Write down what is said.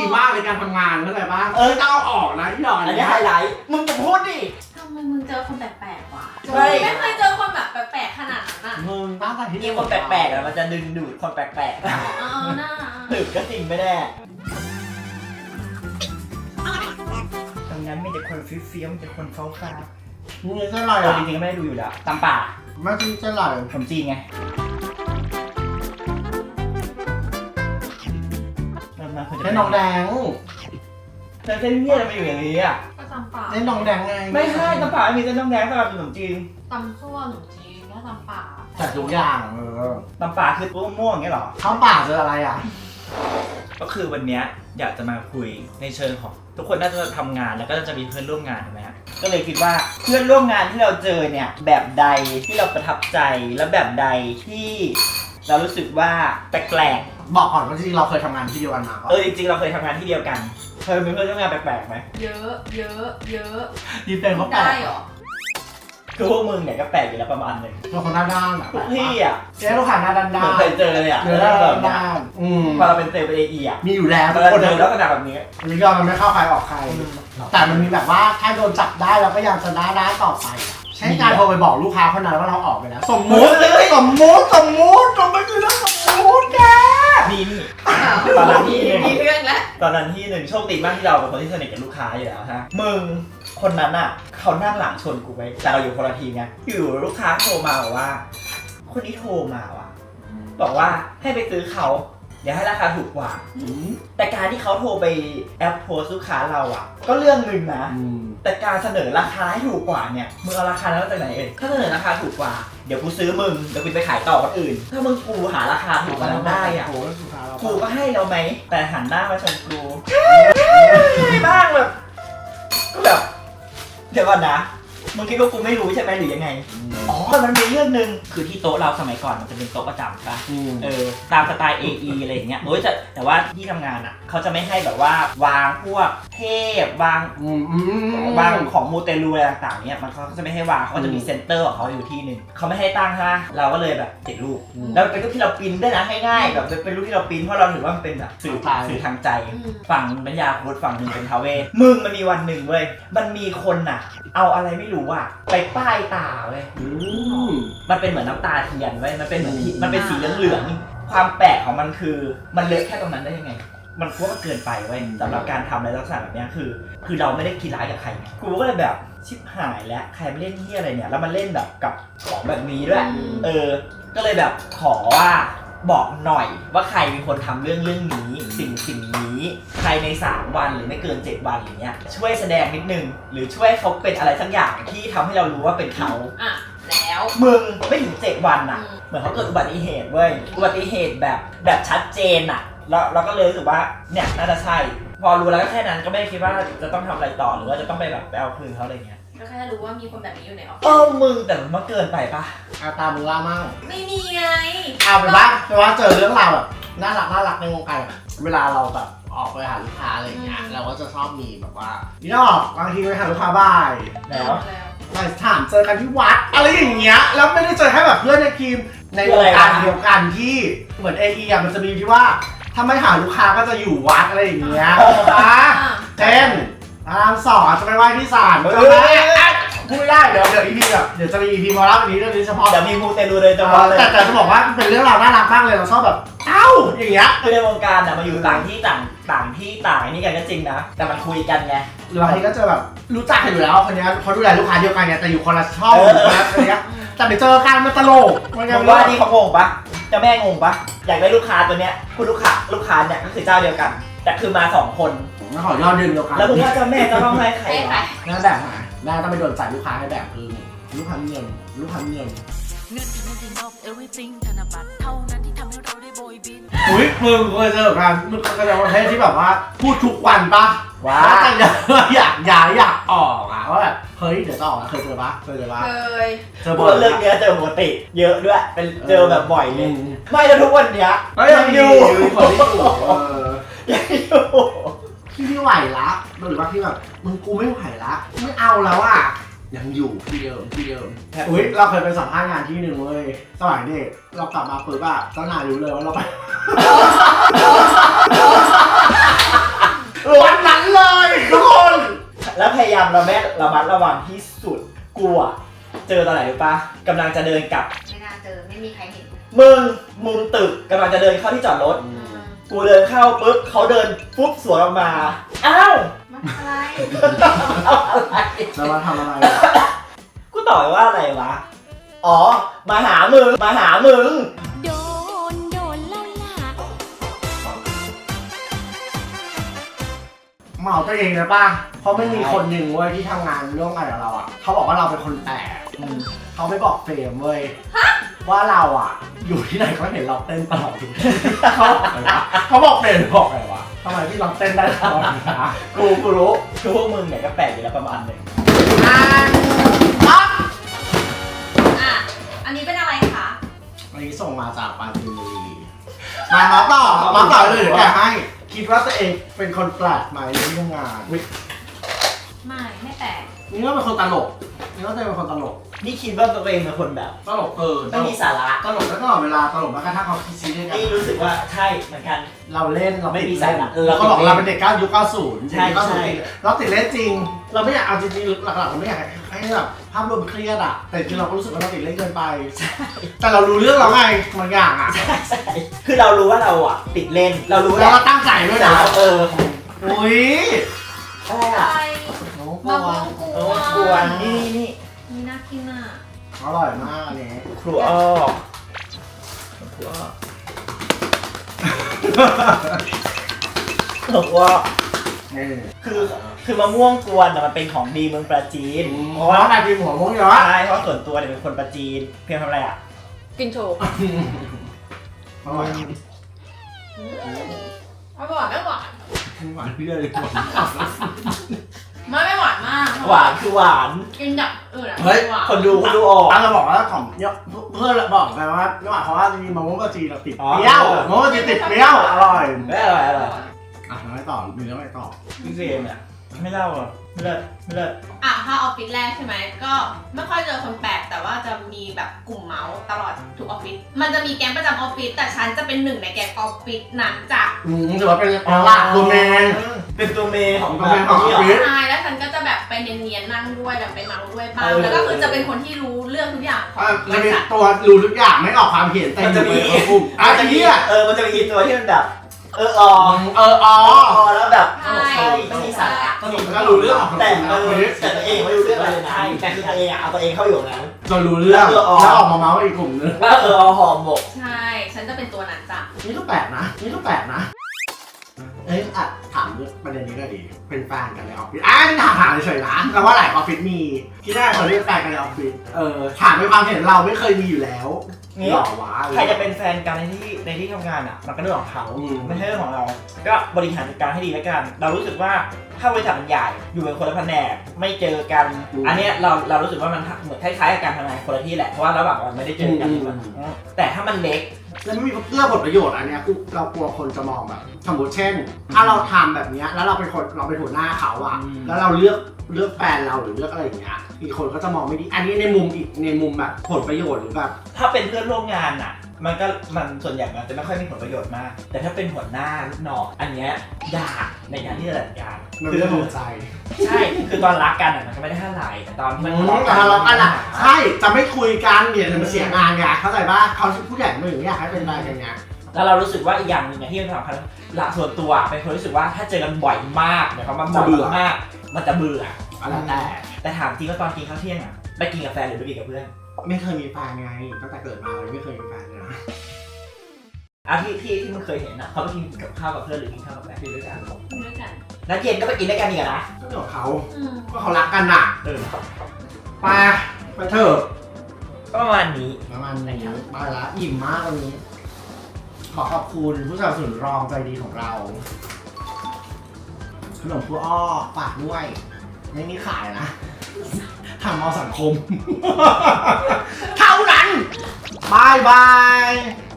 มากในการทำงานเข้าใจปะต้องเอาออกนะที่หล่ออันนี้ไฮไลท์มึงจะพูดดิทำไมมึงเจอคนแปลกๆวะไม่ไม่เคยเจอคนแบบแปลกๆขนาดนั้นอ่ะมึงตั้งแต่ที่มีคนแปลกๆอะมันจะดึงดูดคนแปลกๆน่าถึกก็จริงไม่แน่ตรงนั้นมีแต่คนฟิ้วๆมีแต่คนฟ้ามึงจะอร่อยๆเราจริงๆก็ไม่ได้ดูอยู่แล้วตำป่าไม่จริงจะอร่อยขนมจีนไงมันควรจะเส้นน้องแดงเส้นเมี่ยอะไรมาอยู่อย่างนี้อ่ะก็ตำป่าเส้นน้องแดงไงไม่ใช่ตำป่าไม่มีเส้นน้ำแดงสำหรับขนมจีนตำซั่วหนูจีนก็ตำป่าแต่ทุกอย่างตำป่าคือตัวม่วงอย่างเงี้ยเหรอข้าวป่าเจออะไรอ่ะก็คือวันนี้อยากจะมาคุยในเชิงของทุกคนน่าจะทำงานแล้วก็จะมีเพื่อนร่วมงานถูกไหมฮะก็เลยคิดว่าเพื่อนร่วมงานที่เราเจอเนี่ยแบบใดที่เราประทับใจและแบบใดที่เรารู้สึกว่าแปลกบอกก่อนว่าจริงเราเคยทำงานที่เดียวกันมาก่อนจริงๆเราเคยทำงานที่เดียวกันเคยมีเพื่อนร่วมงานแปลกๆไหมเยอะเยอะเยอะดีเป็นเขาแปลได้กเหรอคือพวกมึงเนี่ยก็แปลกอยู่แล้วประมาณหนึงเป็นคนหน้าด้านอ่ะพวกพี่อ่ะเจ๊ลูกค้าหน้าด้านเหด้ามือนนเคยเจอเลยอ่ะเนื้อด้านด้านพอเราเป็นเซลล์เป็นเอไอ่ะมีอยู่แล้วเราทุกคนเจอลักษณะแบบนี้นี่ก็มันไม่เข้าใครออกใคร แต่มันมีแบบว่าถ้าโดนจับได้เราก็ยังจะหน้าด้านต่อไปใช้การโทรไปบอกลูกค้าคนนั้นว่าเราออกไปแล้ว สมมุติสมมุติมันคือเรื่องสมมุติแกมีตอนนั้นที่หนึ่งมีเรื่องแล้วตอนนั้นที่หนึ่งโชคดีมากที่เราเป็นคนที่สนิทกับลูกค้าอยู่แล้วฮะมึงคนนั้นอ่ะเขานั่งหลังชนกูไว้แต่เราอยู่คนละทีมไงอยู่ลูกค้าโทรมาบอกว่า คนนี้โทรมาว่ะบอกว่าให้ไปซื้อเขาเดี๋ยวให้ราคาถูกกว่า แต่การที่เขาโทรไปแอปโพสลูกค้าเราอ่ะ ก็เรื่องหนึ่งนะ แต่การเสนอราคาให้ถูกกว่าเนี่ยมึงเอาราคานั้นมาจากไหนเอ่ยถ้าเสนอราคาถูกกว่าเดี๋ยวกูซื้อมึงเดี๋ยวกูไปขายต่อคนอื่น ถ้ามึงกูหาราคาถูกกว่านั้นได้อ่ะกูก็ให้เราไหมแต่หันหน้ามาชนกูบ้างแบบก็แบบเดี๋ยวก่อนนะมึงคิดว่ากูไม่รู้ใช่ไหมหรือยังไงอ๋อมันมีเรื่องนึงคือที่โต๊ะเราสมัยก่อนมันจะเป็นโต๊ะประจำใช่ปะตามสไตล์ AE อะไรอย่างเงี้ยแต่ว่าที่ทำงานอ่ะเขาจะไม่ให้แบบว่าวางพวกเทพวางของมูเตลูอะไรต่างๆเนี่ยมันเขาจะไม่ให้วางเขาจะมีเซ็นเตอร์ของเขาอยู่ที่หนึ่งเขาไม่ให้ตั้งใช่ไหมเราก็เลยแบบติดรูปแล้วเป็นรูปที่เราปริ้นได้นะง่ายๆแบบเป็นรูปที่เราปริ้นเพราะเราถือว่ามันเป็นแบบสื่อทางใจฝั่งเป็นยาคุดฝั่งหนึ่งเป็นทาเวศมึงมันมีวันหนึ่งเว้ยมันมีคนอ่ะเอาอะไรไม่รู้อ่ะไปป้ายตาเว้ยมันเป็นเหมือนน้ำตาเทียนเว้ยมันเป็นเหมือนมันเป็นสีเหลืองๆความแปลกของมันคือมันเลอะแค่ตรงนั้นได้ยังไงมันกลัวว่าเกินไปเว้ยสำหรับการทำอะไรลักษณะแบบนี้คือเราไม่ได้คิดร้ายกับใครกูก็เลยแบบชิบหายแล้วใครมาเล่นที่อะไรเนี่ยแล้วมันเล่นแบบกับของแบบนี้ด้วยก็เลยแบบขอว่าบอกหน่อยว่าใครเป็นคนทำเรื่องนี้สิ่งนี้ภายใน3วันหรือไม่เกิน7วันอย่างเงี้ยช่วยแสดงนิดนึงหรือช่วยเขาเป็นอะไรสักอย่างที่ทำให้เรารู้ว่าเป็นเขาแล้วมึงไม่ถึง7วันอ่ะเหมือนเขาเกิดอุบัติเหตุเว้ยอุบัติเหตุแบบชัดเจนอ่ะแล้วเราก็เลยรู้สึกว่าเนี่ยน่าจะใช่พอรู้แล้วก็แค่นั้นก็ไม่ได้คิดว่าจะต้องทำอะไรต่อหรือว่าจะต้องไปแบบไปเอาคืนเขาอะไรเงี้ยก็แค่รู้ว่ามีคนแบบนี้อยู่ในออฟฟิศมึงแต่มันเกินไปปะตามึงล่ามั่งไม่มีไงเอาเป็นว่าเจอเรื่องราวแบบน่ารักในวงการเวลาเราแบบออกไปหาลูกค้าอะไรอย่างเงี้ยเราก็จะชอบมีแบบว่าพี่นอกบางทีไปหาลูกค้าบ่ายแล้วถามเจอกันที่วัดอะไรอย่างเงี้ยแล้วไม่ได้เจอแค่แบบเพื่อนในทีมในวงการเดียวกันที่เหมือนAEมันจะมีที่ว่าถ้าไม่หาลูกค้าก็จะอยู่วัดอะไรอย่างเงี้ยเช่นพระราม2จะไปไหว้ที่ศาลพูดไม่ได้เดี๋ยวEPแบบเดี๋ยวจะมีEPมาเล่าอันนี้เรื่องนี้เฉพาะเดี๋ยวมีมูเตลูเลยเฉพาะเลยแต่จะบอกว่าเป็นเรื่องราวน่ารักมากเลยเราชอบแบบเอ้าอย่างเงี้ยคือในวงการมาอยู่ต่างที่ต่างนี่กันก็จริงนะแต่มันคุยกันไงหรือบางทีก็จะแบบรู้จักกันอยู่แล้วคนนี้เขาดูแลลูกค้าเดียวกันไงแต่อยู่คนละช่องอะไรเงี้ยแต่ไปเจอกันมันตลกผมว่านี่เขางงปะเจ้าแม่งงปะอยากได้ลูกค้าตัวเนี้ยคุณลูกค้าเนี่ยก็คือเจ้าเดียวกันแต่คือมา2คนไม่ขอยอดเดือนเดียวกันแล้วมึงว่าเจ้าแม่จะต้องให้ใครวะน่าแบบไหนน่าต้องไปโดนจ่ายลูกค้าให้แบบคือลูกค้าเงินเงินที่นอก everything ธนบัตรเท่านั้นที่ทำให้เราได้โบยบินอุ้ยมึงเคยเจอกันมึงเคยเจอประเภทที่แบบว่าพูดทุกวันปะว่าอยากออกอะว่าแบบเฮ้ยเดี๋ยวจะออกเคยเจอปะเคยเจอบ่อยเรื่องนี้เจอปกติเยอะด้วยเป็นเจอแบบบ่อยเลยไม่แล้วทุกวันเนี้ยยังอยู่คนที่อยู่ยังอยู่พี่ไม่ไหวละหรือว่าพี่แบบมึงกูไม่ไหวละไม่เอาแล้วอะยังอยู่ที่เดิมอุ้ยเราเคยไปสัมภาษณ์งานที่นึงเลยสมัยเด็กเรากลับมาปุ๊บอะเจ้านายรู้เลยว่าเราไปายามระมัดระวังที่สุดกูอะเจอตอนไหนรู้ปะกำลังจะเดินกลับไม่น่าเจอไม่มีใครเห็นมึงมุมตึกกำลังจะเดินเข้าที่จอดรถกูเดินเข้าปุ๊บเขาเดินปุ๊บสวนออกมาอ้าวมันอะไรอะไรแล้วมาทำอะไรกูตอบไปว่าอะไรวะอ๋อมาหามึงโดนแล้วล่ะเหมาตัวเองนะป่ะเพราะไม่มีคนหนึ่งเว้ยที่ทำงานร่วมกันกับเราอ่ะเขาบอกว่าเราเป็นคนแปลกเขาไม่บอกเฟรมเว้ยว่าเราอ่ะอยู่ที่ไหนก็เห็นเราเต้นตลอดทุกที่เขาบอกเฟรมบอกอะไรวะทำไมพี่เราเต้นได้ตลอดนะกูรู้คือพวกมึงเนี่ยก็แปลกอยู่แล้วประมาณหนึ่งปั๊บอ่ะอันนี้เป็นอะไรคะอันนี้ส่งมาจากปราจีนบุรีมาต่อเลยเดี๋ยวแกให้คิดว่าตัวเองเป็นคนแปลกไหมในที่ทำงานไม่แปลกนี่ก็เป็นคนตลกนี่ก็เป็นคนตลกนี่คิดว่าตัวเองเป็นคนแบบตลกตไม่ลมีกสาระตลกแล้วตลอดเวลาตลกแม้กระทั่งเขาคิดซีเรียสกันนี่รู้สึกว่าใช่เหมือนกันเราเล่นเราไม่มีติดสาเล่นระเราก็บอกเราเป็นเด็กยุค 90 ใช่ยุค90เราติดเล่นจริง เราไม่อยากเอาจริงๆหลักๆเราไม่อยากให้แบบภาพรวมเครียดอะแต่จริงเราก็รู้สึกว่าเราติดเล่นเกินไปแต่เรารู้เรื่องเราไงบางอย่างอะใช่คือเรารู้ว่าเราอ่ะติดเล่นเรารู้แล้วเราตั้งใจด้วยนะ อุ้ยอะไรอะอ่ะไรน้องมะวม่วงงกโอ้วนกวนนี่นี่น่ากินอ่ะอร่อยมากอันนี้ครูอ้อครูอ้อบอกว่านี่คือมะม่วงกวนมันเป็นของดีเมืองปราจีนเพราะว่าใครกินหัวมุ้งเยอะใช่เพราะส่วนตัวเนี่ยเป็นคนปราจีนเพียงทำอะไรอ่ะกินโชว์อร่อยไม่หวานไม่หวานหวานพี่เลยไม่หวานมากหวานคือหวานกินแบบอื่นอ่ะเฮ้ยหวานคนดูออกเราบอกว่าของเพื่อนบอกไปว่าไม่หวานเพราะว่าจริงๆมะม่วงกะจีเราติดอ๋อเปรี้ยวมะม่วงกะจีติดเปรี้ยวอร่อยไม่อร่อยอ่ะแล้วไม่ต่อมีแล้วไม่ต่อพี่เฟรมเนี่ยไม่เล่าอ่ะไม่เลิศอ่ะถ้าออฟฟิศแรกใช่ไหมก็ไม่ค่อยเจอคนแปลกแต่ว่าจะมีแบบกลุ่มเมาส์ตลอดทุกออฟฟิศมันจะมีแก๊งประจำออฟฟิศแต่ฉันจะเป็นหนึ่งในแก๊งออฟฟิศนั้นจ้ะถือว่าเป็นหลักตัวแมนเป็นตัวเมย์ของตัวเมย์ของออฟฟิศใช่แล้วฉันก็จะแบบไปเนียนๆนั่งด้วยแบบไปเมาด้วยบ้างเออแล้วก็คือจะเป็นคนที่รู้เรื่องทุกอย่างของบจะริมีษัทตัวรู้ทุกอย่างไม่ออกความเห็นแต่มันจะมีกลุ่มอ่ะจะเนี่ยมันจะมีตัวที่มันแบบอ๋ออ๋อแล้วแบบใช่ไม่มีสาระก็รู้เรื่องของแต่แต่แต่ตัวเองไม่รู้เรื่องอะไรเลยนะแต่คือตัวเองเอาตัวเองเข้าอยู่นั้นจนรู้เรื่องแล้วออกมาเมาส์อีกกลุ่มนึงว่าหอมหมกใช่ฉันจะเป็นตัวนั้นจ้ะนี่ก็แปลกนะเอ้ยอ่ะถามเรื่องประเด็นนี้ก็ดีเป็นแฟนกันในออฟฟิศนี่ถามเฉยๆนะแต่ว่าหลายออฟฟิศมีที่แรกเขาเรียกแฟนกันในออฟฟิศถามในความเห็นเราไม่เคยมีอยู่แล้วหล่อวะใครจะเป็นแฟนกันในที่ทำงานอ่ะมันก็เรื่องของเขาไม่ใช่เรื่องของเรา ก็บริหารจัดการให้ดีแล้วกัน เรารู้สึกว่าถ้าบริษัทมันใหญ่อยู่เป็นคนละแผนกไม่เจอกัน อันเนี้ยเรารู้สึกว่ามันเหมือนคล้ายๆกับการทำงานคนละที่แหละเพราะว่าระหว่างวันไม่ได้เจอกันแต่ถ้ามันเล็กแล้วไม่มีเรื่องผลประโยชน์อันเนี้ยเรากลัวคนจะมองแบบสมมติเช่น ถ้าเราทำแบบเนี้ยแล้วเราเป็นหัวหน้าเขาอะแล้วเราเลือกแฟนเราหรือเลือกอะไรอย่างเงี้ยอีกคนก็จะมองไม่ดีอันนี้ในมุมแบบผลประโยชน์หรือแบบถ้าเป็นเพื่อนร่วมงานอ่ะมันส่วนใหญ่มันจะไม่ค่อยมีผลประโยชน์มาก แต่ถ้าเป็นหัวหน้าลูกน้องอันเนี้ยยากในการที่จะจัดการมันเป็นเรื่องของใจใช่คือตอนรักกันอ่ะมันก็ไม่ได้เท่าไหร่แต่ตอนที่มันแต่ทะเลาะกันอะใช่จะไม่คุยกันเดี๋ยวมันเสียงานไงเข้าใจป่ะเขาผู้ใหญ่ไม่อยากให้เป็นอะไรกันไงแล้วเรารู้สึกว่าอีกอย่างหนึ่งที่มันสำคัญละส่วนตัวเป็นคนรู้สึกว่าถ้าเจอกันบ่อยมากเนี่ยเขามาบ่อยมากมันจะเบื่ออะไรแต่ถามจริงว่าตอนกินข้าวเที่ยงอ่ะไปกินกับแฟนหรือไปกินกับเพื่อนไม่เคยมีแฟนไงตั้งแต่เกิดมาเลยไม่เคยมีแฟนเลยนะที่มึงเคยเห็นอ่ะเขาไปกินกับข้าวกับเพื่อนหรือกินข้าวกับแฟนด้วยกันด้วยกันแล้วเย็นก็ไปกินด้วยกันอีกนะก็เรื่องของเขาอืมก็เขารักกันน่ะ ไปเถอะก็ประมาณนี้ประมาณนี้ไปละอิ่มมากวันนี้ ขอขอบคุณผู้สนับสนุนรองใจดีของเราขนมครูอ้อฝากด้วย ไม่มีขายนะทำเอาสังคม เท่านั้นบายบาย